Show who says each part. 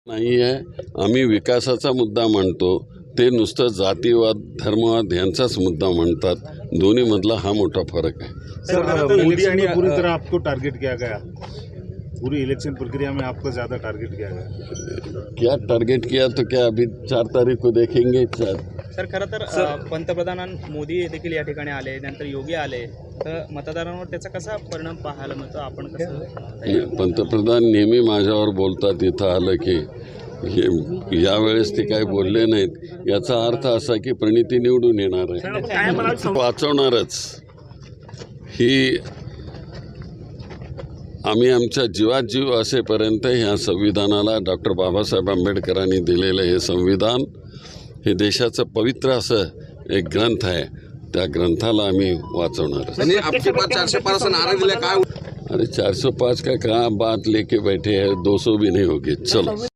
Speaker 1: नाही आहे. आम्ही विकासाचा मुद्दा मांडतो, ते नुसतं जातीवाद धर्मवाद यांचाच मुद्दा म्हणतात. दोन्हीमधला हा मोठा फरक आहे.
Speaker 2: सर, मोदी ने पूरी तरह आपको टारगेट किया गया, पूरी इलेक्शन प्रक्रिया में आपको ज़्यादा टारगेट किया गया।
Speaker 1: क्या टारगेट किया तो क्या अभी 4 तारीख को देखेंगे।
Speaker 3: सर, खरं तर पंतप्रधान मोदी देखील या ठिकाणी आले, नंतर योगी आले, तर मतदारांवर त्याचा कसा परिणाम पाहायला मिळतो, आपण कसं?
Speaker 1: पंतप्रधान नेहमी माझ्यावर बोलतात, इथं आलं की यावेळेस ते काही बोलले नाहीत. याचा अर्थ असा की प्रणिती निवडून येणार आहे, वाचवणारच. ही आम्ही आमच्या जीवात जीव असेपर्यंत ह्या संविधानाला डॉक्टर बाबासाहेब आंबेडकरांनी दिलेलं हे संविधान हे देशाचं पवित्र असं एक ग्रंथ आहे. त्या ग्रंथाला आम्ही वाचवणार.
Speaker 4: आपके पास 405 से नारा दिला काय?
Speaker 1: अरे 405 का कहाँ बात लेके बैठे हैं, 200 भी नहीं होगी. चलो.